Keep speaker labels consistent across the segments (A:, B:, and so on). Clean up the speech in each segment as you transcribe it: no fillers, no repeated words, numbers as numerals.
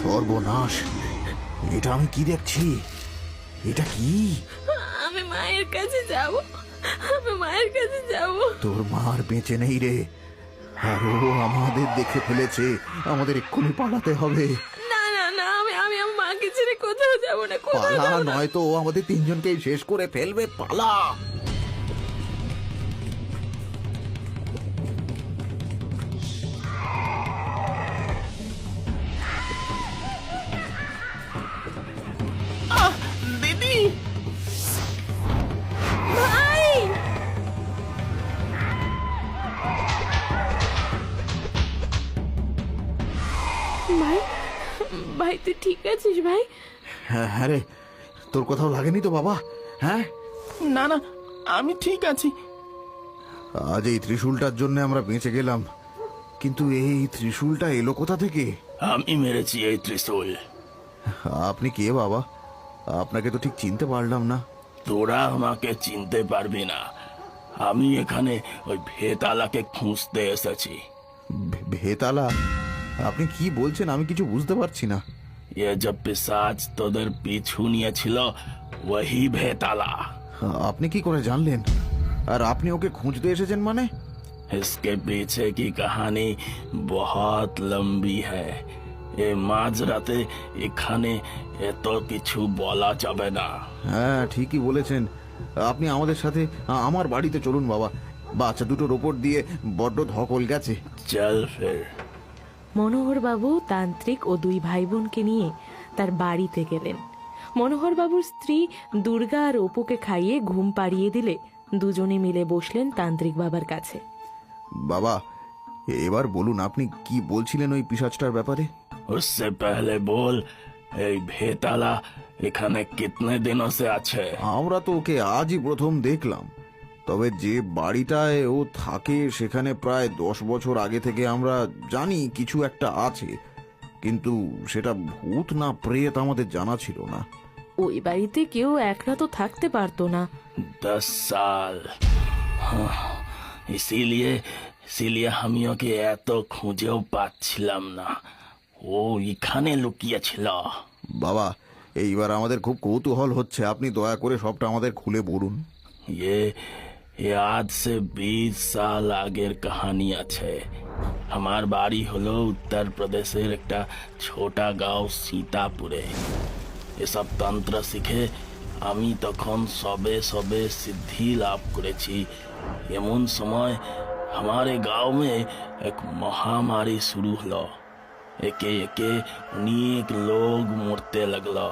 A: সর্বনাশ! এটা আমি কি দেখছি? এটা কি?
B: আমি মায়ের কাছে যাব, আমি মায়ের কাছে যাব।
A: তোর মার বেঁচে নেই রে, আর ও আমাদের দেখে ফেলেছে। আমাদের এক্ষুনি পালাতে হবে।
B: না না না, আমি আমি আমার মাকে ছেড়ে কোথাও যাব না, কোথাও
A: পালা,
B: যাব না।
A: নয়তো ও আমাদের তিনজনকেই শেষ করে ফেলবে। পালা!
C: দিদি,
B: ভাই, ভাই, ভাই তুই ঠিক আছিস ভাই?
A: হ্যাঁ হ্যাঁ রে, তোর কোথাও লাগেনি তো বাবা? হ্যাঁ,
C: না না, আমি ঠিক আছি।
A: আজ এই ত্রিশূলটার জন্য আমরা বেঁচে গেলাম, কিন্তু এই ত্রিশূলটা এলো কোথা থেকে?
C: আমি মেরেছি এই ত্রিশূল।
A: আপনি কে বাবা? আপনাকে তো ঠিক চিনতে পারলাম না।
C: তোরা আমাকে চিনতে পারবি না। আমি এখানে ওই ভেতালাকে খুঁজতে এসেছি।
A: ভেতালা? আপনি কি বলছেন? আমি কিছু বুঝতে পারছি না।
C: ये जब पिशाच তোদের পিছু নিয়েছিল, वही ভেতালা।
A: আপনি কি করে জানলেন? আর আপনি ওকে খুঁজতে এসেছেন মানে?
C: इसके पीछे की कहानी बहुत लंबी है। এ মাঝরাতে এখানে এত কিছু বলা যাবে না।
A: হ্যাঁ, ঠিকই বলেছেন। আপনি আমাদের সাথে আমার বাড়িতে চলুন বাবা। বাচ্চা দুটোর ওপর দিয়ে বড্ড ধকল গেছে।
C: চল ফির।
B: মনোহরবাবু তান্ত্রিক ও দুই ভাই বোনকে নিয়ে তার বাড়িতে গেলেন। মনোহরবাবুর স্ত্রী দুর্গা আর অপুকে খাইয়ে ঘুম পাড়িয়ে দিলে দুজনে মিলে বসলেন তান্ত্রিক বাবার কাছে।
A: বাবা, এবার বলুন, আপনি কি বলছিলেন ওই পিশাচটার ব্যাপারে?
C: उससे पहले बोल, এই ভেতালা এখানে কিতনে দিনों से আছে?
A: আমরা তো ওকে আজই প্রথম দেখলাম। তবে যে বাড়িটায় ও থাকে সেখানে প্রায় 10 বছর আগে থেকে আমরা জানি কিছু একটা আছে, কিন্তু সেটা ভূত না প্রেত আমাদের জানা ছিল না।
B: ওই বাড়িতে কেউ একলা তো থাকতে পারতো না।
C: 10 साल। हाँ, इसीलिए इसीलिए আমি ওকে এত খুঁজেও পাচ্ছিলাম না। ও এখানে লুকিয়েছিল।
A: বাবা, এইবার আমাদের খুব কৌতূহল হচ্ছে। আপনি দয়া করে সবটা আমাদের খুলে বলুন।
C: ये ये आज से 20 साल আগের কাহিনী আছে। আমার বাড়ি হলো উত্তর প্রদেশের একটা ছোটা গাঁও সীতাপুরে। এসব তন্ত্র শিখে আমি তখন সবে সবে সিদ্ধি লাভ করেছি। এমন সময় हमारे गांव में एक महामारी शुरू हलो। एके एके अनेक लोग मरते लगलो।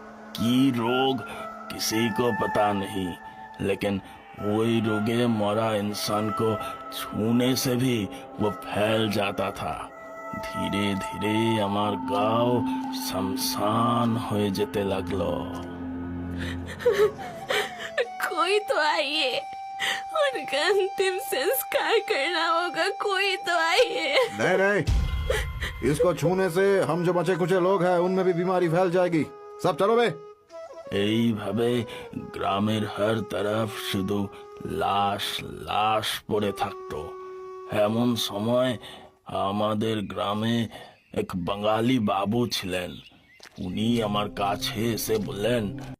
C: की रोग किसी को पता नहीं, लेकिन वही रोगे मरा इंसान को छूने से भी वो फैल जाता था। धीरे धीरे আমার গাঁও शमशान হয়ে যেতে লাগলো।
B: कोई तो आइए, उनका अंतिम संस्कार करना होगा, कोई तो आइए।
A: नहीं नहीं, इसको छूने से हम जो बचे कुचे लोग हैं उनमें भी बीमारी फैल जाएगी। सब चलो बे।
C: এইভাবে গ্রামের হর তরফ শুধু লাশ লাশ পড়ে থাকতো। এমন সময় আমাদের গ্রামে এক বাঙালি বাবু ছিলেন। উনি আমার কাছে এসে বললেন,